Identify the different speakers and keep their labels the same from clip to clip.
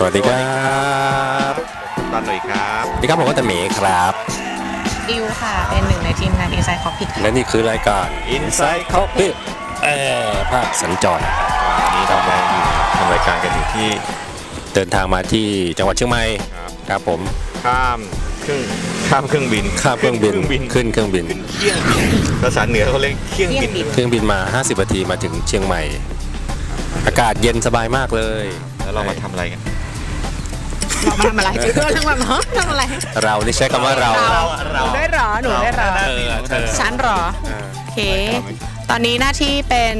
Speaker 1: วัสดีครับ
Speaker 2: ตอนหน่อยครับ
Speaker 1: สวัสดีครับผมก็ตะเมครับ
Speaker 3: อิวค่ะเป็นหนึ่งในทีมงาน Inside Cockpit
Speaker 1: และนี่คือรายการ
Speaker 2: Inside Cockpit
Speaker 1: ภาคสัญจร
Speaker 2: วันนี้เรามาทำรายการกันอยู่ที่
Speaker 1: เดินทางมาที่จังหวัดเชียงใหม่ครับผม
Speaker 2: ข้ามเครื่องบิน
Speaker 1: ขึ้นเครื่องบิน
Speaker 2: เที่ยงบินภาษาเหนือเขาเรียกเที่ยง
Speaker 1: บินมา50นาทีมาถึงเชียงใหม่อากาศเย็นสบายมากเลย
Speaker 2: แล้วเรามาทำอะไรกัน
Speaker 3: เรามาทำอะไรจุดด้วยทั้งวันเนาะทำอะไร
Speaker 1: เรานี่ใช้คำว่าเรา
Speaker 3: ได้หรอหนูได้หรอฉันหรอโอเคตอนนี้หน้าที่เป็น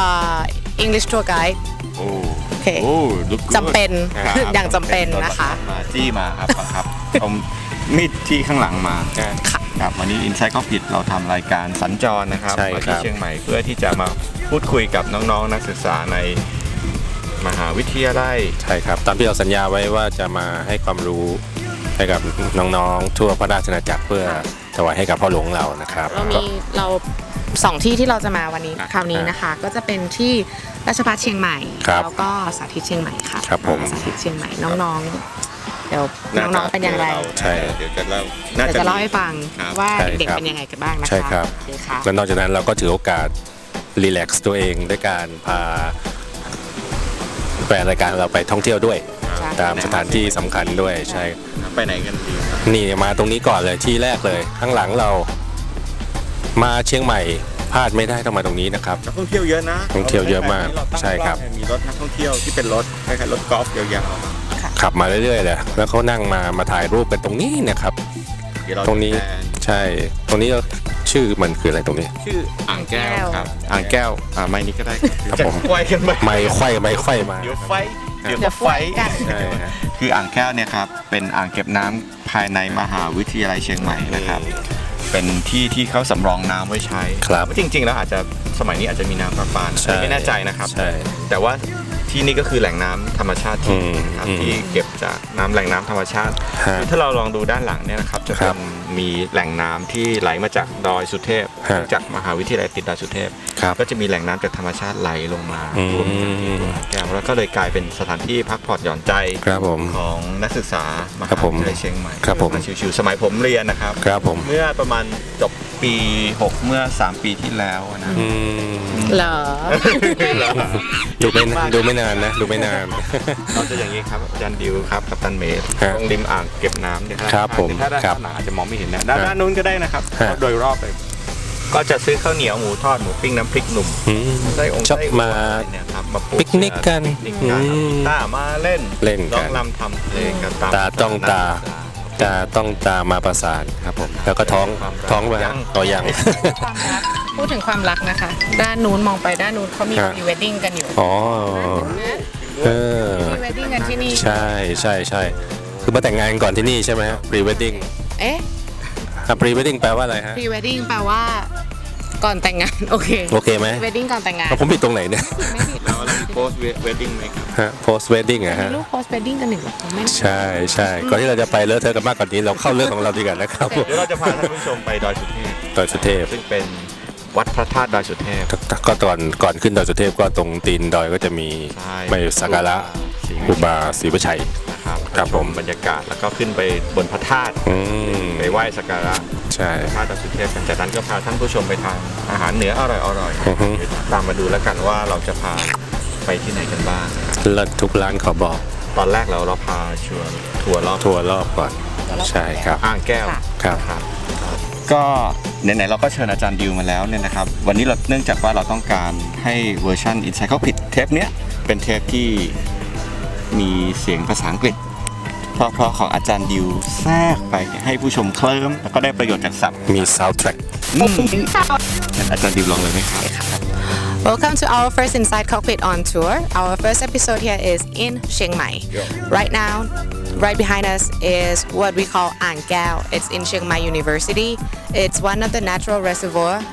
Speaker 3: English Tour Guide โอเคจำเป็นอย่างจำเป็นนะคะ
Speaker 2: มาจี้มาครับบังคับเอามีดที่ข้างหลังมาครับวันนี้ Inside Cockpit เราทำรายการสัญจรนะครับมาที่เชียงใหม่เพื่อที่จะมาพูดคุยกับน้องๆนักศึกษาในมหาวิทยาลัย
Speaker 1: ใช่ครับตามที่เราสัญญาไว้ว่าจะมาให้ความรู้ให้กับน้องๆทั่วพระราชอาณาจักรเพื่อถวายให้กับพ่อหลวงเรานะครับ
Speaker 3: เราสองที่ที่เราจะมาวันนี้คราวนี้นะคะก็จะเป็นที่ราชภัฏเชียงใหม่แล้วก็สาธิตเชียงใหม่ค่ะ
Speaker 1: ครับผม
Speaker 3: สาธิตเชียงใหม่น้องๆเดี๋ยวน้องๆเป็นอย่างไร
Speaker 1: ใช่
Speaker 2: เดี๋ยวจะเ
Speaker 3: ล่าให้ฟังว่าเด็กเป็นยังไงกันบ้างนะคะ
Speaker 1: ใช่ครับและนอกจากนั้นเราก็ถือโอกาสรีแลกซ์ตัวเองด้วยการพาแฟนรายการเราไปท่องเที่ยวด้วยตามสถานที่สำคัญด้วยใช่
Speaker 2: ไปไหนกันดี
Speaker 1: นี่มาตรงนี้ก่อนเลยที่แรกเลยข้างหลังเรามาเชียงใหม่พลาดไม่ได้ต้องมาตรงนี้นะครับ
Speaker 2: นักท่องเที่ยวเยอะนะ
Speaker 1: ท่องเที่ยวเยอะมากใช่ครับ
Speaker 2: มีรถนักท่องเที่ยวที่เป็นรถคล้ายๆรถกอล์ฟยาว
Speaker 1: ๆขับมาเรื่อยๆเลยแล้วเขานั่งมาถ่ายรูปกันตรงนี้นะครับตรงนี้ใช่ตรงนี้ชื่อมันคืออะไรตรงนี้
Speaker 2: ชื่ออ่างแก้วครับอ่างแก้วไม้นี้ก็ได้
Speaker 1: ครับผม
Speaker 2: ไขว้กัน
Speaker 1: ไม่ไขว้มา
Speaker 2: เดี๋ยวไฟกันคืออ่างแก้วเนี่ยครับเป็นอ่างเก็บน้ำภายในมหาวิทยาลัยเชียงใหม่นะครับเป็นที่เขาสำรองน้ำไว้ใช้จริงๆแล้วอาจจะสมัยนี้อาจจะมีน้ำประปาไม่แน่ใจนะครับแต่ว่าที่นี่ก็คือแหล่งน้ำธรรมชาติที่เก็บจากน้ำแหล่งน้ำธรรมชาติถ้าเราลองดูด้านหลังเนี่ยนะครับจะเป็นมีแหล่งน้ำที่ไหลมาจากดอยสุเทพจากมหาวิทยาลัยติดดอยสุเทพก็จะมีแหล่งน้ำจากธรรมชาติไหลลงมารวมกันที่ตัวแก้วแล้วก็เลยกลายเป็นสถานที่พักผ่อนหย่อนใจของนักศึกษามหาวิทยาลัยเชียงใหม่มาชิวๆสมัยผมเรียนนะครับเมื่อประมาณจบปี6เมื่อ3ปีที่แล้วนะ
Speaker 3: เหรอ
Speaker 1: ดูไม่นานนะดูไม่นาน
Speaker 2: เราจะอย่างนี้ครับอาจารย์ดิวครับกับตันเมย์ตรงริมอ่างเก็บน้ำเนี่ย
Speaker 1: ครับผม
Speaker 2: ถ้าด้านหนาอาจจะมองไม่เห็นนะด้านนู้นก็ได้นะครับโดยรอบเลยก็จะซื้อข้าวเหนียวหมูทอดหมูปิ้งน้ำพริกหนุ่ม
Speaker 1: ไส้องค์ไส้มาปิกนิกกัน
Speaker 2: ตามาเล่นร้องรำทำเพลงกัน
Speaker 1: ตาต้องตามาประสานครับผมแล้วก็ท้องไปต่อยัง
Speaker 3: พูดถึงความรักนะคะด้านนู้นมองไปด้านนู้นเขามีพรีเวดดิ้งกันอยู่
Speaker 1: อ๋อ
Speaker 3: พรีเวดดิ้งกันที่นี่
Speaker 1: ใช่คือมาแต่งงานก่อนที่นี่ใช่ไหมฮะพรีเวดดิ้งพรีเวดดิ้งแปลว่าอะไรฮะ
Speaker 3: พรีเวดดิ้งแปลว่าก่อนแต่งงานโอเค
Speaker 1: ไหม
Speaker 3: พรีเวดดิ้งก่อนแต่งงาน
Speaker 1: ผมผิดตรงไหนเนี่ย
Speaker 3: ไม่ผิด
Speaker 2: แล้วโพสต์เวดดิ้งไหมครับ
Speaker 1: โพสต์เวดดิ้งอะฮะ
Speaker 3: รูปโพสต์เวดดิ้งกันหนึ่ง
Speaker 1: ใช่ก่อนที่เราจะไปเลอะเทอะกันมากกว่านี้เราเข้าเรื่องของเราดีกว่านะครับ
Speaker 2: เดี๋ยวเราจะพาท่านผู้ชมไปดอยสุเทพซึ่งเป็นวัดพระธาตุดอยสุเทพ
Speaker 1: ก็ก่อนขึ้นดอยสุเทพก็ตรงตีนดอยก็จะมีไปสักการะครูบาศรีวชัย
Speaker 2: ครับผมบรรยากาศแล้วก็ขึ้นไปบนพระธาตุไปไหว้สักการะพระธาตุดอยสุเทพกันจากนั้นก็พาท่านผู้ชมไปทานอาหารเหนืออร่อยตามมาดูแล้วกันว่าเราจะพาไปที่ไหนกันบ้าง
Speaker 1: เลิศทุกร้านขอบอก
Speaker 2: ตอนแรกเราพาทัวร์
Speaker 1: รอบก่อนใช่ครับ
Speaker 2: อ่างแก้วครับก็ไหนๆเราก็เชิญอาจารย์ดิวมาแล้วเนี่ยนะครับวันนี้เราเนื่องจากว่าเราต้องการให้เวอร์ชัน Inside Cockpit เทปเนี้ยเป็นเทปที่มีเสียงภาษาอังกฤษเพราะของอาจารย์ดิวแทรกไปให้ผู้ชมเคลิ้มแล้วก็ได้ประโยชน์จากศัพท์
Speaker 1: มี soundtrack
Speaker 2: อาจารย์ดิวลองเลยไหมครับ
Speaker 3: Welcome to our first Inside Cockpit on tour. Our first episode here is in Chiang Mai. Right now, right behind us is what we call Ang Keo. It's in Chiang Mai University. It's one of the natural reservoir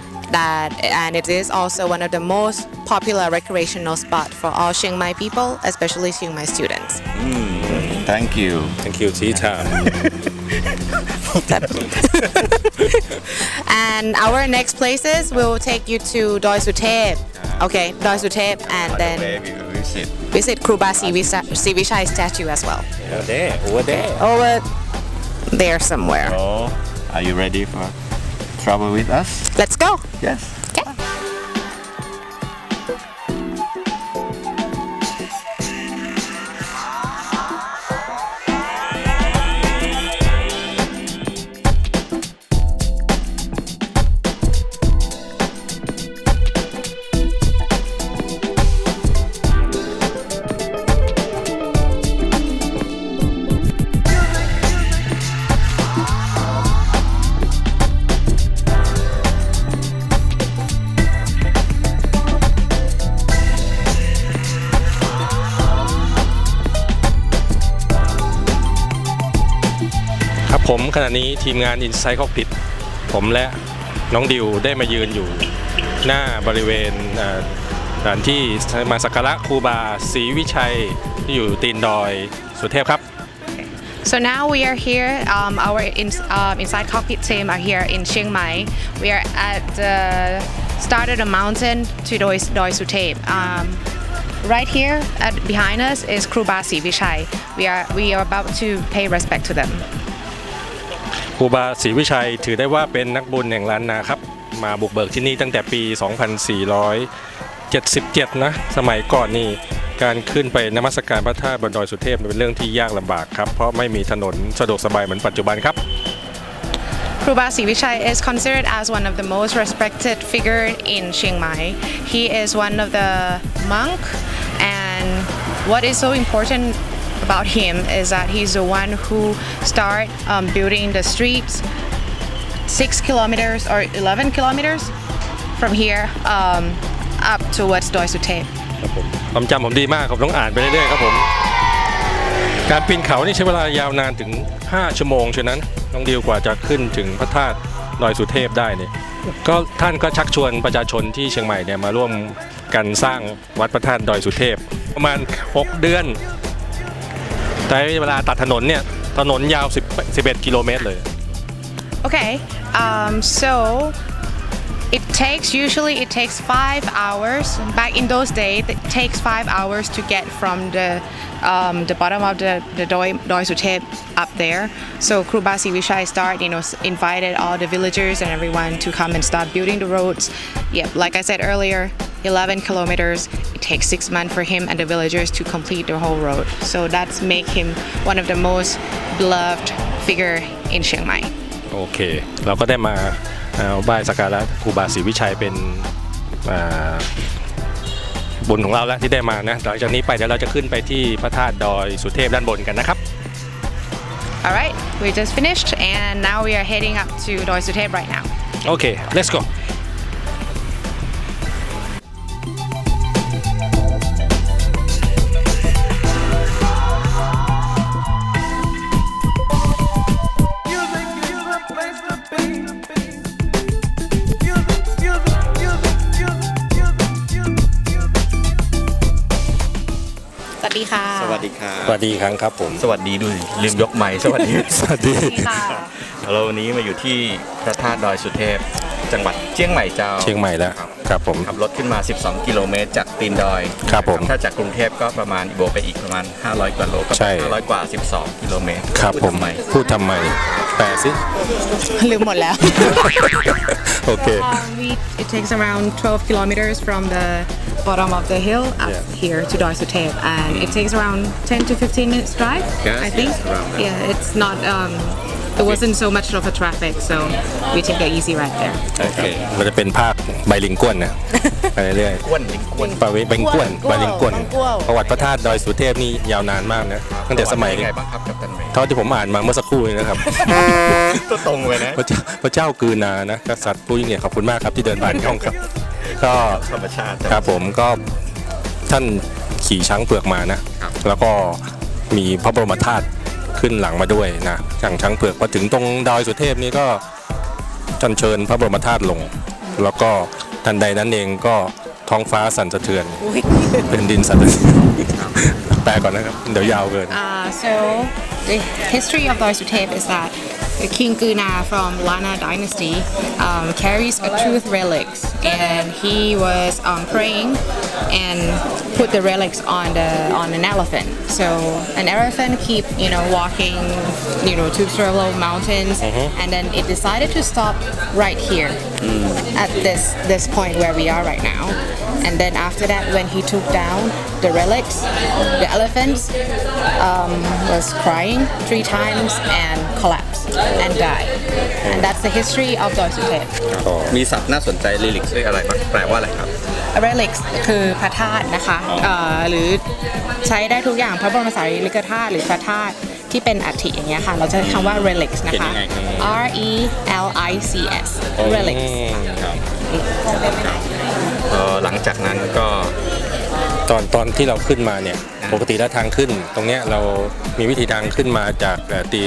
Speaker 3: and it is also one of the most popular recreational spot for all Chiang Mai people, especially Chiang Mai students.
Speaker 2: Thank you,
Speaker 1: Tita.
Speaker 3: And our next places will take you to Doi Suthep. Okay, Doi Suthep, and then visit Kruba Sivishai statue as well.
Speaker 1: over there
Speaker 3: Over there somewhere.
Speaker 2: Oh, are you ready for travel with us?
Speaker 3: Let's go.
Speaker 2: Yes.
Speaker 3: Okay.
Speaker 1: ผมขณะนี้ทีมงาน Inside Cockpit ผมและน้องดิวได้มายืนอยู่หน้าบริเวณสถานที่มาสักการะครูบาศรีวิชัยที่อยู่ตีนดอยสุเทพครับ
Speaker 3: So now we are here. Our Inside Cockpit team are here in Chiang Mai. We are at the start of the mountain to Doi Suthep. Right here, behind us is Kruba Sivishai. We are about to pay respect to them.
Speaker 1: ครูบาศรีวิชัยถือได้ว่าเป็นนักบุญแห่งล้านนาครับมาบุกเบิกที่นี่ตั้งแต่ปี 2477 นะสมัยก่อนนี่การขึ้นไปนมัสการพระธาตุบนดอยสุเทพเป็นเรื่องที่ยากลำบากครับเพราะไม่มีถนนสะดวกสบายเหมือนปัจจุบันครับ
Speaker 3: Kruba Sivishai is considered as one of the most respected figure in Chiang Mai. He is one of the monk, and what is so important about him is that he's the one who start building the streets 6 kilometers or 11 kilometers from here up towards Doi Suthep.
Speaker 1: ครับผมความจำผมดีมากผมต้องอ่านไปเรื่อยๆครับผมการปีนเขานี่ใช้เวลายาวนานถึง5 ชั่วโมงฉะนั้นน้องดิวกว่าจะขึ้นถึงพระธาตุดอยสุเทพได้เนี่ยก็ท่านก็ชักชวนประชาชนที่เชียงใหม่เนี่ยมาร่วมกันสร้างวัดพระธาตุดอยสุเทพประมาณ6 เดือนแต่เวลาตัดถนนเนี่ยถนนยาว11 กิโลเมตรเลย
Speaker 3: Okay, so it takes 5 hours. Back in those days, it takes 5 hours to get from the bottom of the Doi Suthep up there. So Kruba Sivishai invited all the villagers and everyone to come and start building the roads. Yep, like I said earlier, 11 kilometers. It takes 6 months for him and the villagers to complete the whole road. So that's make him one of the most beloved figure in Chiang Mai.
Speaker 1: โอเคเราก็ได้มาไหว้สักการะครูบาศรีวิชัยเป็นบุญของเราแล้วที่ได้มานะหลังจากนี้ไปเดี๋ยวเราจะขึ้นไปที่พระธาตุดอยสุเทพด้านบนกันนะครับ
Speaker 3: Alright, we just finished and now we are heading up to Doi Suthep right now.
Speaker 1: โอเค let's go
Speaker 2: สวัสดีครับ
Speaker 1: สวัสดีครั้งครับผม
Speaker 2: สวัสดีด้วยลืมยกไมค์สวัสดี
Speaker 1: สวัสดี
Speaker 2: เราวันนี้มาอยู่ที่พระธาตุดอยสุเทพจังหวัดเชียงใหม่เจ้า
Speaker 1: เชียงใหม่แล้วครับผม
Speaker 2: ขับรถขึ้นมา12 กิโลเมตรจากตีนดอย
Speaker 1: ครับผม
Speaker 2: ถ้าจากกรุงเทพก็ประมาณบวกไปอีกประมาณ500 กว่าโลก็
Speaker 1: ใช่
Speaker 2: 500 กว่า 12 กิโลเมตร
Speaker 1: ครับผม
Speaker 2: ทำไม
Speaker 1: พูดทำไมแปลสิ
Speaker 3: ลืมหมดแล้ว
Speaker 1: โอเค
Speaker 3: It takes around 12 kilometers from the bottom of the hill up here to Doi Suthep, and it takes around 10 to 15 minutes drive.
Speaker 2: Yes,
Speaker 3: I think.
Speaker 2: yes, around that.
Speaker 3: Yeah, it's not. There wasn't so much of a traffic, so we take the easy ride there.
Speaker 2: โอเค
Speaker 1: มันจะเป็นภาคใบลิงก้วนนะไปเรื่อย
Speaker 2: ก้วนลิงก้วน
Speaker 1: ๆประเวศใบลิงก้วนใบลิงก้วนประวัติพระธาตุดอยสุเทพนี่ยาวนานมากนะตั้งแต่สมัย
Speaker 2: เป็นไงบ้างครับกัปตันเมย์
Speaker 1: เท่าที่ผมอ่านมาเมื่อสักครู่นี้นะครับ
Speaker 2: ตัวตรงเลยนะ
Speaker 1: พระเจ้ากือนานะกษัตริย์ผู้ยิ่งใหญ่ขอบคุณมากครับที่เดินผ่านช่องครับ ก็
Speaker 2: ธรรมชาติ
Speaker 1: ครับผมก็ท่านขี่ช้างเผือกมานะ
Speaker 2: ครับ
Speaker 1: แล้วก็มีพระบรมธาตุขึ้นหลังมาด้วยนะช้างเผือกพอถึงตรงดอยสุเทพนี่ก็จันเชิญพระบรมธาตุลง แล้วก็ทันใดนั้นเองก็ท้องฟ้าสั่นสะเทือนเป็นดินสั่นสะเทือนแปลก่อนนะครับเดี๋ยวยาวเกิน
Speaker 3: So the history of Doi Suthep is that the King Guna from Lana Dynasty carries a truth relics, and he was praying, and put the relics on an elephant. So an elephant keep walking to several mountains, and then it decided to stop right here at this point where we are right now. And then after that, when he took down the relics, the elephant was crying 3 times and collapsed and died. And that's the history of Doi Suthep.
Speaker 2: มีศัพท์น่าสนใจลิลิกเรียกอะไรบ้างแปลว่าอะไรครับ
Speaker 3: relics คือพระธาตุนะคะหรือใช้ได้ทุกอย่างพระบรมสารีริกธาตุหรือพระธาตุที่เป็นอัฐิอย่างเงี้ยค่ะเราจะใช้คำว่า relics นะคะ R E L I C S relics
Speaker 2: หลังจากนั้นก็
Speaker 1: ตอนที่เราขึ้นมาเนี่ยปกติแล้วทางขึ้น ตรงเนี้ยเรามีวิธีทางขึ้นมาจาก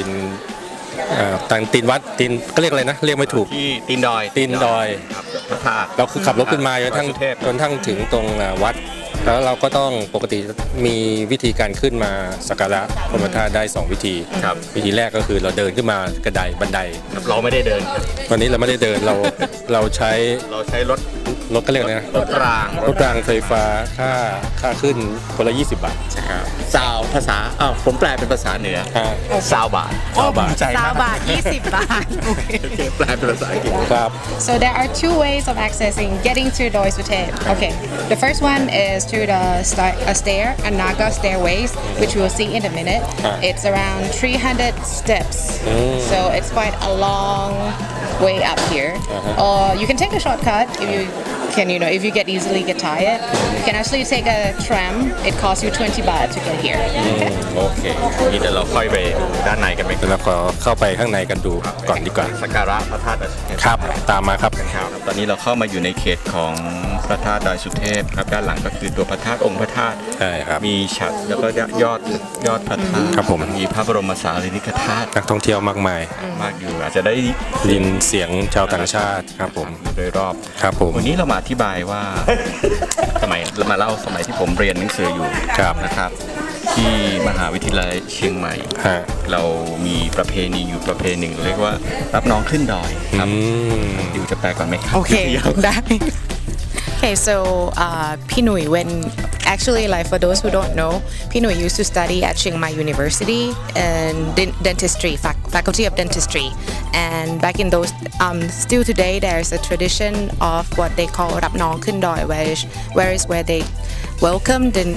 Speaker 1: ตีนวัดตีนก็เรียกอะไรนะเรียกไม่ถูก
Speaker 2: ที่ตีนดอย ครับพระธาตุ
Speaker 1: เราคือขับรถขึ้นมาจนทั้งถึงตรงวัด แล้วเราก็ต้องปกติมีวิธีการขึ้นมาสักการะพระบรมธาตุได้ 2 วิธี
Speaker 2: ครับ
Speaker 1: วิธีแรกก็คือเราเดินขึ้นมากระไดบันได
Speaker 2: เราไม่ได้เดินครับ
Speaker 1: วันนี้เราไม่ได้เดินเราใช้รถก็เรียกนะ
Speaker 2: รถราง
Speaker 1: รถรางไฟฟ้าค่าขึ้นคนละ20 บาท
Speaker 2: ซาวภาษาผมแปลเป็นภาษาเหนือซาวบาท
Speaker 3: 20 บาท 20 บาท
Speaker 2: แปลเป็นภาษาอังกฤษ
Speaker 1: ครับ
Speaker 3: So there are 2 ways of accessing getting to Doi Suthep. Okay, the first one is through the a Naga stairways, which we'll see in a minute. It's around 300 steps, so it's quite a long way up here. Or you can take a shortcut if you can, if you get tired. You can actually take a tram. It costs you 20 baht to get here.
Speaker 2: โอเคนี่เดี๋ยวเราค่อยไปด้านในกันไหมครับ
Speaker 1: แล้วก็เข้าไปข้างในกันดูก่อนดีกว่า
Speaker 2: สักการะพระธาตุดอยสุเทพ
Speaker 1: ครับตามมาครับ
Speaker 2: ครับตอนนี้เราเข้ามาอยู่ในเขตของพระธาตุดอยสุเทพครับด้านหลังก็คือตัวพระธาตุองค์พระธาตุ
Speaker 1: ใช่ครับ
Speaker 2: มีฉัตรแล้วก็ยอดพระธาตุ
Speaker 1: ครับผม
Speaker 2: มีพระบรมสารีริกธาตุ
Speaker 1: นักท่องเที่ยวมากมาย
Speaker 2: มากอยู่อาจจะได้
Speaker 1: ยินเสียงชาวต่างชาติครับผม
Speaker 2: อยู่โดยรอบ
Speaker 1: ครับผม
Speaker 2: วันนี้เรามาอธิบายว่า เรามาเล่าสมัยที่ผมเรียนหนังสืออยู่
Speaker 1: ครับ
Speaker 2: นะครับ ที่มหาวิทยาลัยเชียงใหม่
Speaker 1: ฮะ
Speaker 2: เรามีประเพณีอยู่ประเพณีหนึ่งเรียกว่ารับน้องขึ้นดอยครับดิวจะแปลก่อนไหมครับ
Speaker 3: Okay, that. Okay, so Pinui, when actually, like for those who don't know, Pinui used to study at Chiang Mai University in dentistry, faculty of dentistry. And back in those, still today, there's a tradition of what they call Rap Nong Khun Doi, where they welcome the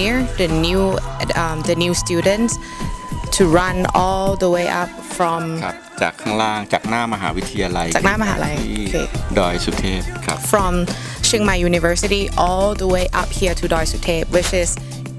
Speaker 3: new students to run all the way up from
Speaker 2: ครับจากข้างล่างจากหน้ามหาวิทยาลัย
Speaker 3: จากหน้ามหาลัย
Speaker 2: ที่
Speaker 3: โอเค
Speaker 2: ดอยสุเทพครับ
Speaker 3: from Chiang Mai University all the way up here to Doi Suthep, which is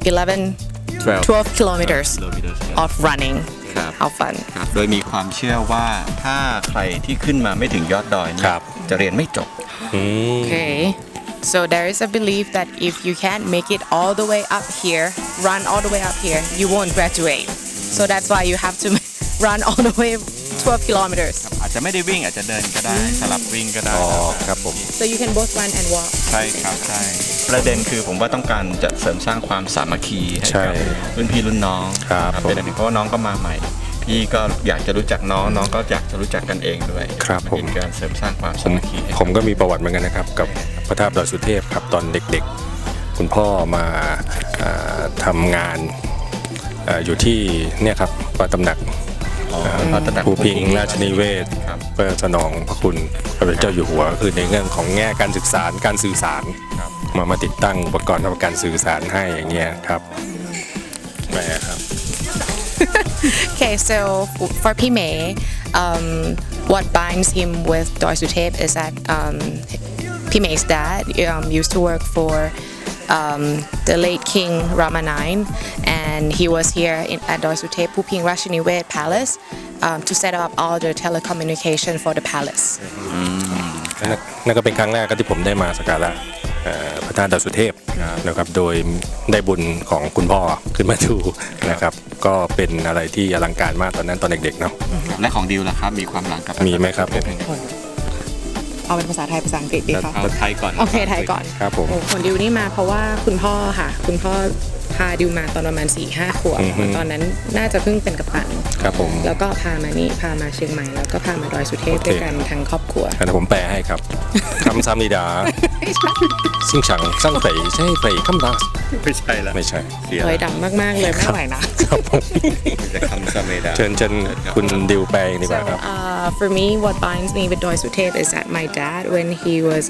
Speaker 3: 12 kilometers of running.
Speaker 2: ครับ
Speaker 3: How fun.
Speaker 2: ครับโดยมีความเชื่อว่าถ้าใครที่ขึ้นมาไม่ถึงยอดดอยเนี่ย
Speaker 1: ครับ
Speaker 2: จะเรียนไม่จบ
Speaker 3: Okay. So there is a belief that if you can't make it all the way up here, run all the way up here, you won't graduate. So that's why you have to run all the way 12 kilometers.
Speaker 2: อาจจะไม่ได้วิ่งอาจจะเดินก็ได้สลับวิ่งก็ได้
Speaker 1: อ๋อครับผม
Speaker 3: So you can both run and walk.
Speaker 2: ใช่ครับใช่ประเด็นคือผมว่าต้องการจะเสริมสร้างความสามัคคีให้
Speaker 1: ใช่
Speaker 2: กับรุ่นพี่รุ่นน้อง
Speaker 1: ครับ
Speaker 2: เป็นอันหนึ่งเพราะว่าน้องก็มาใหม่ พี่ก็อยากจะรู้จักน้องน้องก็อยากจะรู้จักกันเองด้วย
Speaker 1: ครับผม
Speaker 2: เป็นการเสริมสร้างความ
Speaker 1: ผ
Speaker 2: สาม มัคคีให้
Speaker 1: ผมก็มีประวัติเหมือนกันนะครับ กับพระธาตุดอยสุเทพครับตอนเด็กๆ คุณพ่อมาทำงานอยู่ที่เนี่ยครับวัดตำหนัก
Speaker 2: พระตำหนัก
Speaker 1: ภูพิงราชนิเวศ
Speaker 2: ครับ
Speaker 1: เพื่อสนองพระคุณพระเป็นเจ้าอยู่หัวก็คือในเรื่องของแง่การศึกษาการสื่อสาร
Speaker 2: ครับ
Speaker 1: มาติดตั้งอุปกรณ์ทำการสื่อสารให้อย่างเงี้ยครับแหมครับ
Speaker 3: Okay, so for Pime, what binds him with Doi Suthep is that Pime's dad used to work for the late King Rama IX, and he was here at Doi Suthep Phuping Rashiniwet Palace to set up all the telecommunication for the palace.
Speaker 1: นั่นก็เป็นครั้งแรกที่ผมได้มาสักการะพระธาตุดอยสุเทพนะครับโดยได้บุญของคุณพ่อขึ้นมาดูนะครับก็เป็นอะไรที่อลังการมากตอนนั้นตอนเด็กๆเนาะ
Speaker 2: และของดิวล่ะครับมีความหลังกับ
Speaker 1: มีไหมครับ
Speaker 3: เอาเป็นภาษาไทยภาษาอังกฤษดีคะ
Speaker 2: เอาไทยก่อน
Speaker 3: โอเคไทยก่อน
Speaker 1: ครับผม
Speaker 3: โอ้คนดิวนี่มาเพราะว่าคุณพ่อค่ะ คุณพ่อพาดิวมาตอนประมาณ 4-5 ขวบตอนนั้นน่าจะเพิ่งเป็นกัปตัน
Speaker 1: ครับผม
Speaker 3: แล้วก็พามาเชียงใหม่แล้วก็พามาดอยสุเทพด้วยกันทั้งครอบครัว
Speaker 1: งั้นผมแปลให้ครับ คำซามิดาซิ่งฉังสร้างเฟยใช่เฟยคำดา
Speaker 2: ไม่ใช่ละ
Speaker 1: ไม่ใช่
Speaker 2: เสีย
Speaker 3: เฮ้ยดังมากๆเลยไม่ไหวนะ
Speaker 1: ครับผม
Speaker 2: จะคำซาเมดา
Speaker 1: เชิญคุณดิวแปลดีกว่า
Speaker 3: So
Speaker 1: ครับ
Speaker 3: for me, what binds me with Doi Suthep is that my dad, when he was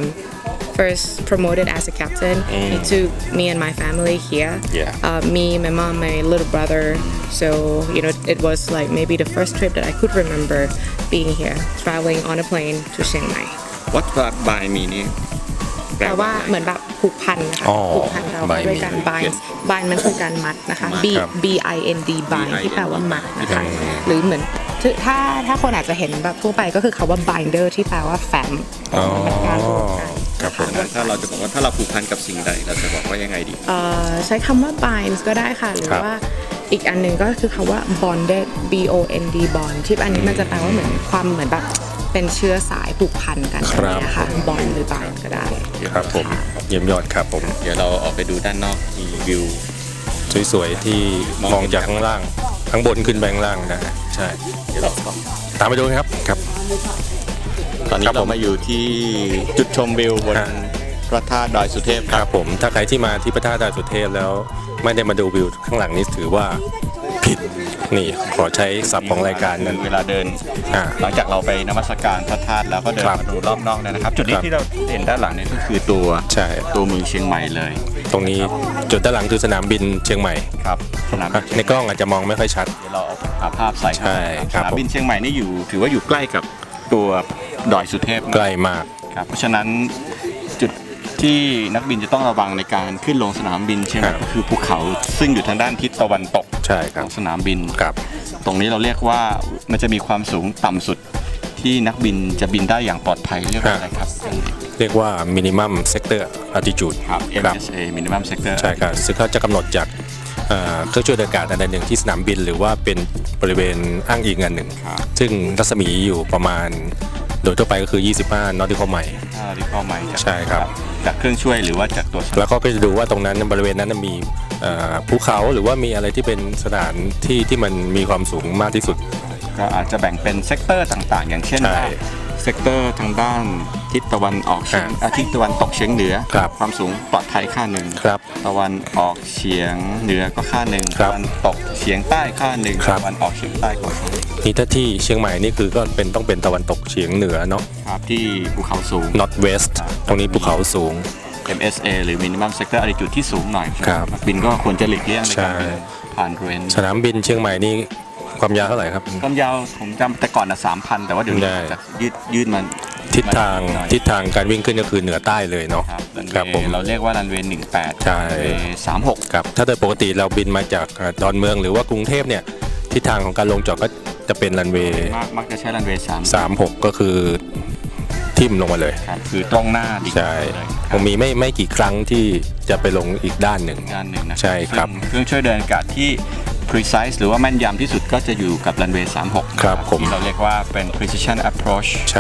Speaker 3: first promoted as a captain, he took me and my family here.
Speaker 1: Yeah.
Speaker 3: Me, my mom, my little brother. So it was like maybe the first trip that I could remember being here, traveling on a plane to Chiang Mai.
Speaker 2: What by me นี่
Speaker 3: แปลว่าเหมือนแบบผูกพันนะคะ
Speaker 1: อ๋อ
Speaker 3: ผูกพันเราไปด้วยกัน bind มันคือการมัดนะคะ
Speaker 1: ครับ
Speaker 3: B I N D bind ที่แปลว่ามัดนะคะ หรือเหมือนถ้าคนอาจจะเห็นแบบทั่วไปก็คือคาว่า binder ที่แปลว่าแฟ้ม
Speaker 1: อ๋อ
Speaker 3: เป็นการผูกกัน
Speaker 1: ครับผม
Speaker 2: ถ้าเราจะบอกว่าถ้าเราผูกพันกับสิ่งใดเราจะบอกว่ายังไงดี
Speaker 3: ใช้คำว่า bind ก็ได้ค่ะ หรือว่าอีกอันหนึ่งก็คือคำว่า bonded B O N D bond ที่อันนี้มันจะแปลว่าเหมือนความเหมือนแบบเป็นเชื้อสายผูกพันกัน
Speaker 1: ครับ
Speaker 3: นะคะ bond หรือ bind ก็ได้
Speaker 1: ครับผมเยี่ยมยอดครับผม
Speaker 2: เดี๋ยวเราออกไปดูด้านนอกมีวิว
Speaker 1: สวยๆที่มองจากข้างล่างข้างบนขึ้นไปข้างล่างนะฮะใช่
Speaker 2: เดี๋ยวเรา
Speaker 1: ตามไปดูครับครับ
Speaker 2: ตอนนี้
Speaker 1: ครับผม
Speaker 2: เรามาอยู่ที่จุดชมวิวบน
Speaker 1: ฮะ
Speaker 2: พระธาตุดอยสุเทพ
Speaker 1: ค
Speaker 2: ค
Speaker 1: รั
Speaker 2: รั
Speaker 1: บบ ผมถ้าใครที่มาที่พระธาตุดอยสุเทพแล้วไม่ได้มาดูวิวข้างหลังนี้ถือว่าผิดนี่ขอใช้ศัพท์ของรายการนั้น
Speaker 2: เวลาเดิน
Speaker 1: อ่า
Speaker 2: หลังจากเราไปนมัสการพระธาตุแล้วก็เดิน
Speaker 1: ครับ
Speaker 2: มาดูรอบนอกเนี่ยนะครับ จุดนี้
Speaker 1: ครับ
Speaker 2: ที่เราเห็นด้านหลังนี่ก็คือตัว
Speaker 1: ใช่
Speaker 2: ตัวเมืองเชียงใหม่เลย
Speaker 1: ตรงนี้จุดด้านหลังคือสนามบินเชียงใหม่
Speaker 2: ครับสนามบิน
Speaker 1: ในกล้องอาจจะมองไม่ค่อยชัด
Speaker 2: เดี๋ยวเราเอาหาภาพใส่เข้า
Speaker 1: ใช่
Speaker 2: ไป
Speaker 1: ครับ
Speaker 2: สนามบินเชียงใหม่นี่อยู่ถือว่าอยู่ใกล้กับตัวดอยสุเทพนะ
Speaker 1: ใกล้มาก
Speaker 2: ครับเพราะฉะนั้นจุดที่นักบินจะต้องระวังในการขึ้นลงสนามบินเชียงใหม่
Speaker 1: ครับ
Speaker 2: ก็คือภูเขาซึ่งอยู่ทางด้านทิศตะวันตก
Speaker 1: ใช่ค
Speaker 2: ข
Speaker 1: รั
Speaker 2: อบ งสนามบิน
Speaker 1: ครับ
Speaker 2: ตรงนี้เราเรียกว่ามันจะมีความสูงต่ำสุดที่นักบินจะบินได้อย่างปลอดภัยเรียกว่าอะไรครับ
Speaker 1: เรียกว่า minimum sector altitude
Speaker 2: ครับ
Speaker 1: ครับ
Speaker 2: MSA minimum sector
Speaker 1: ใช่ครับซึ่งเขาจะกำหนดจากเครื่องช่วยเดินอากาศอันหนึ่งที่สนามบิน หรือว่าเป็นบริเวณอ้างอิงอันหนึ่ง
Speaker 2: ครับ
Speaker 1: ซึ่งรัศมีอยู่ประมาณโดยทั่วไปก็คือ 25 nautical mile
Speaker 2: ถ้าเราที่เข้าใหม่จาก
Speaker 1: ใช่ครับ
Speaker 2: จากเครื่องช่วยหรือว่าจากตัวสนาม
Speaker 1: แล้วก็จะดูว่าตรงนั้นบริเวณนั้นมีภูเขาหรือว่ามีอะไรที่เป็นสถานที่ที่มันมีความสูงมากที่สุด
Speaker 2: ก็อาจจะแบ่งเป็นเซกเตอร์ต่างๆ อย่างเช่น
Speaker 1: ใช่
Speaker 2: ว่าเซกเตอร์ทางด้านทิศตะวันออกเฉียงทิศตะวันตกเฉียงเหนือ
Speaker 1: ครับ
Speaker 2: ความสูงปลอดภัยค่าหนึ่ง
Speaker 1: ครับ
Speaker 2: ตะวันออกเฉียงเหนือก็ค่าหนึ่ง
Speaker 1: ครับ
Speaker 2: ตะวันตกเฉียงใต้ค่าหนึ่ง
Speaker 1: ครับ
Speaker 2: ตะวันออกเฉียงใต้ก็ค่าหนึ่ง
Speaker 1: นี่ถ้าที่เชียงใหม่นี่คือก็ต้องเป็นตะวันตกเฉียงเหนือเนาะ
Speaker 2: ครับที่ภูเขาสูง
Speaker 1: north west ตรงนี้ภูเขาสูง
Speaker 2: MSA หรือ minimum sector altitude ที่สูงหน่อย
Speaker 1: ครับ
Speaker 2: นักบินก็ควรจะหลีกเลี่ยงใน
Speaker 1: ใช่
Speaker 2: การบินผ่านบริเวณ
Speaker 1: สนามบินเชียงใหม่นี่ความยาวเท่าไหร่ครับ
Speaker 2: ความยาวผมจำแต่ก่อนนะ 3,000 แต่ว่าเดี๋ยวนี้
Speaker 1: ได้
Speaker 2: จะยืดมัน
Speaker 1: ทิศทาง
Speaker 2: หน่อย
Speaker 1: ทิศทางการวิ่งขึ้นก็คือเหนือใต้เลยเนาะ
Speaker 2: ครับรัน
Speaker 1: ครับ
Speaker 2: เว
Speaker 1: ผม
Speaker 2: ย์เราเรียกว่ารันเวย์18
Speaker 1: ใช่
Speaker 2: รันเวย์36
Speaker 1: ครับถ้าโดยปกติเราบินมาจากดอนเมืองหรือว่ากรุงเทพเนี่ยทิศทางของการลงจอดก็จะเป็นรันเวย์
Speaker 2: มักจะใช้รันเวย์
Speaker 1: 36 ก็คือทิ่มลงมาเลย
Speaker 2: ครับคือตรงหน้าดิ่ง
Speaker 1: ใช่
Speaker 2: เลย
Speaker 1: คงมีไม่กี่ครั้งที่จะไปลงอีกด้านหนึ่ง
Speaker 2: ด้านหนึ่งนะ
Speaker 1: ใช่ครับ
Speaker 2: ซึ่งเครื่องช่วยเดินอากาศที่ precise หรือว่าแม่นยำที่สุดก็จะอยู่กับรันเวย์36
Speaker 1: ครับผม
Speaker 2: ที่เราเรียกว่าเป็น precision approach
Speaker 1: ใช่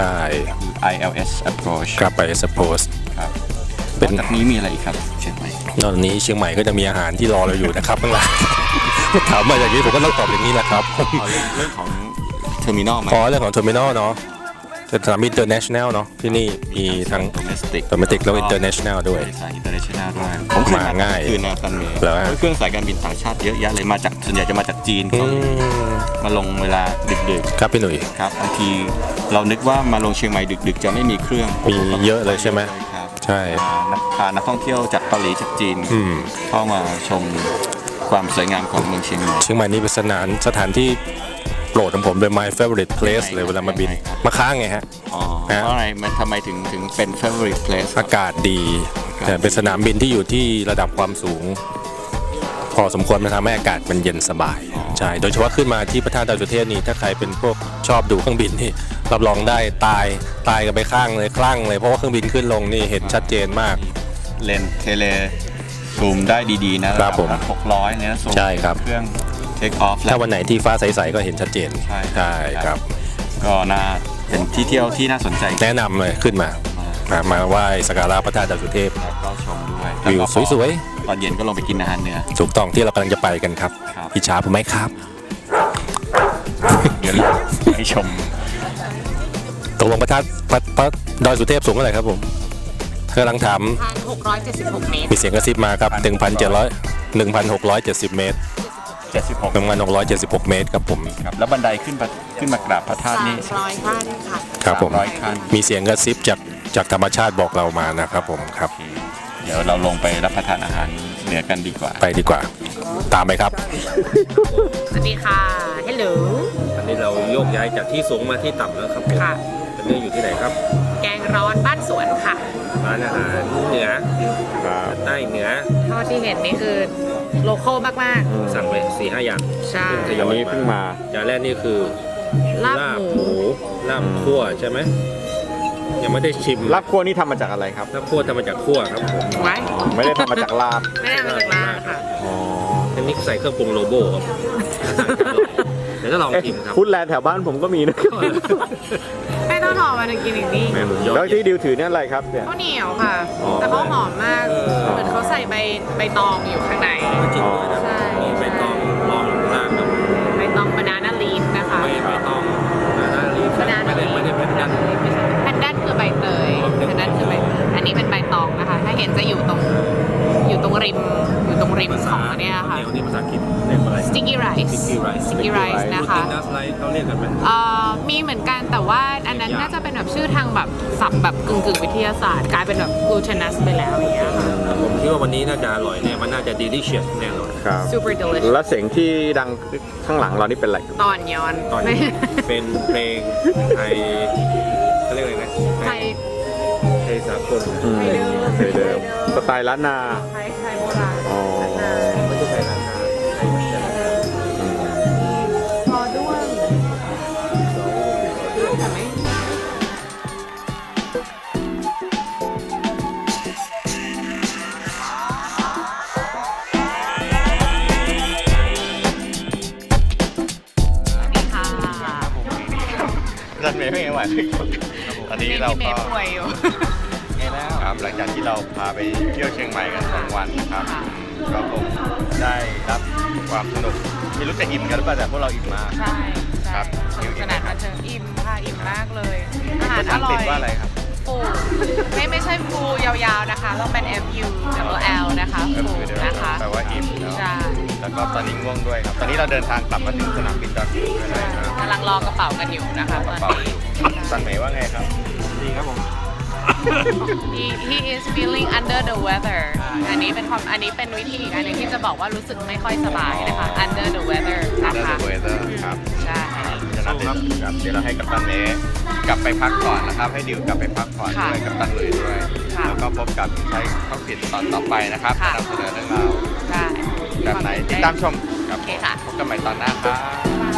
Speaker 2: ILS approach
Speaker 1: กลับไป suppose
Speaker 2: ครับ
Speaker 1: เป็น
Speaker 2: นอกจากนี้มีอะไรอีกครับเชียงใหม่
Speaker 1: ตอนนี้เชียงใหม่ก็จะมีอาหารที่รอเราอยู่นะครับข้างหลัง ถามมาอย่างนี้ผมก็ต้องตอบอย่างนี้แหละครับ
Speaker 2: เอาเรื่องของเทอร์มินอลไหม
Speaker 1: ขอเรื่องของเทอร์มินอลเนาะสนามบิน international เนาะที่นี่มีทั้ง
Speaker 2: domestic
Speaker 1: domestic แล้วก็ international ด้วย
Speaker 2: สาย international ด้วยผมเคย
Speaker 1: มาง่าย
Speaker 2: คือนาตันเมย์
Speaker 1: แล้วฮะ
Speaker 2: เครื่องสายการบินต่างชาติเยอะแยะเลยมาจากส่วนใหญ่จะมาจากจีน
Speaker 1: อื
Speaker 2: เขา
Speaker 1: ม
Speaker 2: มาลงเวลาดึก
Speaker 1: ครับพี่หนุ่ย
Speaker 2: ๆครับบางทีเรานึกว่ามาลงเชียงใหม่ดึกๆ จะไม่มีเครื่อง
Speaker 1: มีเยอะเลยใช่ไหม
Speaker 2: ครับ
Speaker 1: ใช่
Speaker 2: พานักท่องเที่ยวจากเกาหลีจากจีน
Speaker 1: อืม
Speaker 2: เข้ามาชมความสวยงามของเมืองเชียงใหม่
Speaker 1: เชียงใหม่นี่เป็นสถานที่โปรดของผมเป็น my favorite place เลยเวลามาบิน
Speaker 2: ยังไงครับ
Speaker 1: มาค้างไงฮะ
Speaker 2: อ๋อ
Speaker 1: ฮะ
Speaker 2: เพราะอะไรมันทำไมถึงเป็น favorite place
Speaker 1: อากาศดีแต่เป็นสนามบินที่อยู่ที่ระดับความสูง พอสมควรมันทำให้อากาศมันเย็นสบายใช่โดยเฉพาะขึ้นมาที่พระธาตุดอยสุเทพนี่ถ้าใครเป็นพวกชอบดูเครื่องบินนี่รับรองได้ตายกันไปข้างเลยคลั่งเลยเพราะว่าเครื่องบินขึ้นลงนี่เห็นชัดเจนมาก
Speaker 2: เลนส์เทเลซูมได้ดีๆนะครับ
Speaker 1: ผม
Speaker 2: 600เนี่ยซูม
Speaker 1: ใช่ครับ
Speaker 2: เครื่องเทคออฟ
Speaker 1: ถ้าวันไหนที่ฟ้าใสๆก็เห็นชัดเจน
Speaker 2: ใช่
Speaker 1: ครับ
Speaker 2: ก็น่าเป็นที่เที่ยวที่น่าสนใจ
Speaker 1: แนะนำเลยขึ้นมาไหว้สักการะพระธาตุดอยสุเทพ
Speaker 2: แล้วก็ชมด้วย
Speaker 1: วิวสวย
Speaker 2: ตอนเย็นก็ลงไปกินอาหารเหนือ
Speaker 1: ถูกต้องที่เรากำลังจะไปกันครับ
Speaker 2: ครับ
Speaker 1: อิจฉาผมไหมครับ
Speaker 2: เดี๋ยวเราให้ชม
Speaker 1: ตกลงพระธาตุพระดอยสุเทพสูงเท่าไหร่ครับผมกำลังถาม
Speaker 3: 1,676 เมตร
Speaker 1: มีเสียงกระซิบมาครับ 1,670 เมตร
Speaker 2: 76
Speaker 1: 1,676 เมตรครับผม
Speaker 2: ครับแล้วบันไดขึ้นมากราบพระธาตุนี่
Speaker 3: 300 ขั้นค่ะ
Speaker 1: ครับผม
Speaker 2: 300 ขั้น
Speaker 1: มีเสียงกระซิบจากธรรมชาติบอกเรามานะครับผมครับ
Speaker 2: เดี๋ยวเราลงไปรับประทานอาหารเหนือกันดีกว่า
Speaker 1: ไปดีกว่า ตามไปครับ
Speaker 3: สวัสดีค่ะ Hello
Speaker 1: อันนี้เราโยกย้ายจากที่สูงมาที่ต่ำแล้วครับผม
Speaker 3: ค่ะ
Speaker 1: เป็นเรื่องอยู่ที่ไหนครับ
Speaker 3: แกงร้อนบ้านสวนค่ะ
Speaker 1: ร้านอาหารเหนือใต้เหนือ
Speaker 3: เท่าที่เห็นนี่คือโลคอลมาก
Speaker 1: สั่งไป 4-5 อย่าง
Speaker 3: ๆ ใช่
Speaker 1: ทยอยมาจานแรกนี่คือ
Speaker 3: ลาบหมู
Speaker 1: ลาบคั่วใช่ไหมยังไม่ได้ชิม
Speaker 4: ลาบคั่วนี่ทำมาจากอะไรครับ
Speaker 1: ลาบคั่วทำมาจากคั่วครับผม
Speaker 3: ไว้
Speaker 4: ไม่ได้ทำมาจากลาบ
Speaker 3: ไม่ได้มาจากลาบค่ะ
Speaker 1: อันนี้ใส่เครื่องปรุงโลโบครับเดี๋ยวจะลองชิมครับ
Speaker 4: ฟู้ดแลนด์แถวบ้านผมก็มีนะครับ
Speaker 3: ให้ต้นหอมมากินอีกนี่
Speaker 1: แม่ผมยอด
Speaker 4: แล้วที่ดิวถือเนี่ยอะไรครับเนี่ย
Speaker 3: ข้าวเหนียวค่ะ
Speaker 4: อ๋อ
Speaker 3: แต่เขาหอมมาก เหมือนเขาใส่ใบตองอยู่ข้างใน
Speaker 1: จริงด้วยนะ
Speaker 3: ใช่
Speaker 1: มีใบตองรองอยู่ข้างล่างครับ
Speaker 3: ใบตองบานาน่าลีฟนะคะ
Speaker 1: ไม่ใบตองนานาลีฟ
Speaker 3: บานา
Speaker 1: ไม่
Speaker 3: น่า
Speaker 1: ได้
Speaker 3: ลีฟ
Speaker 1: ไม่ได้เป็นดัน
Speaker 3: แพนด้านคือใบเตยแพนด้านคือใบเตยอันนี้เป็นใบตองนะคะ ถ้าเห็นจะอยู่ตรงริมของอันเนี่ยค่ะ
Speaker 1: เดี๋ยวนี้ภาษาอังกฤษเรียกว่าอะไร
Speaker 3: sticky rice
Speaker 1: sticky rice
Speaker 3: นะคะ
Speaker 1: glutinous rice เขาเรียกกันไหม
Speaker 3: มีเหมือนกันแต่ว่าอันนั้นน่าจะเป็นแบบชื่อทางแบบศัพท์แบบกึ่งวิทยาศาสตร์ กลายเป็นแบบ glutinous ไปแล้วอย่างเงี้ยค่ะ
Speaker 1: ผมคิดว่าวันนี้น่าจะอร่อยแน่มันน่าจะ delicious แน่นอน
Speaker 4: ครับ
Speaker 3: super delicious
Speaker 4: แล้วเสียงที่ดังข้างหลังเรานี่เป็นอะไรครับ
Speaker 3: ตอนย้อน
Speaker 1: ตอนนี้เป็นเพลงไทยเขาเรียกอะไรนะ
Speaker 3: ไทย
Speaker 1: ไทยสากล
Speaker 4: อืมเคยเดิมสไตล์ล้านนา
Speaker 3: ไทยโบราณ
Speaker 4: อ๋อ
Speaker 1: ไม่ใช่ไทยนาคาไทยมันจะ
Speaker 3: พอด้วงแต่ไม่นี่ค่ะ
Speaker 2: ท่านเมย์ไม่ไหวตอนนี้เรา
Speaker 3: พี่เม
Speaker 2: ก็
Speaker 3: ย์ป่วยอยู่
Speaker 2: ครับหลังจากที่เราพาไปเที่ยวเชียงใหม่กัน2 วันนะครับ
Speaker 3: ค่ะ
Speaker 2: ก็คงได้รับความสนุกไม่รู้จะอิ่มกันหรือเปล่าแต่พวกเราอิ่มมาก
Speaker 3: ใช่
Speaker 2: ครั
Speaker 3: ใช่
Speaker 2: บ
Speaker 3: สนุกสนานบันเทิงอิ่มค่ะอิ่มมากเลย อาหาร
Speaker 2: ภา
Speaker 3: อ
Speaker 2: ษาอัง
Speaker 3: ร่
Speaker 2: ก
Speaker 3: อ
Speaker 2: ฤษ
Speaker 3: ย
Speaker 2: ว่าอะไรครับ
Speaker 3: ฟูไม่ใช่ฟูยาวๆนะคะต้องเป็น FU double L นะคะฟูนะคะ
Speaker 2: แปลว่าอิ่มแล้ว
Speaker 3: ใช่
Speaker 2: แล้วก็ตอนนี้ง่วงด้วยครับ ตอนนี้เราเดินทางกลับมาถึงสนามบินดอนเมืองแล้วนะครับ
Speaker 3: กำลังรอกระเป๋ากันอยู่นะคะตอนนี้
Speaker 2: สันเมย์ว่าไงครับ
Speaker 1: ดีครับผม
Speaker 3: he is feeling under the weather อันนี้เป็นวิธีอีกอันหนึงที่จะบอกว่ารู้สึกไม่ค่อยสบายนะคะ under the weather นะคะ
Speaker 2: เวเตอร์ครับ
Speaker 3: ใช่
Speaker 2: ฉะนั้นเดี๋ยวเราให้กัปตันเมย์กลับไปพักก่อนนะครับ ให้ดิวกลับไปพักก่อนด้วยกัปตันเลยด้วย แล้วก็พบกับใช้ข้อผิดตอนต่อไปนะครับนำเสนอเรื่องราว
Speaker 3: ใช่
Speaker 2: แบบไหนติดตามชมครับ
Speaker 3: โอเคค่ะ
Speaker 2: พบกันใหม่ตอนหน้าครับ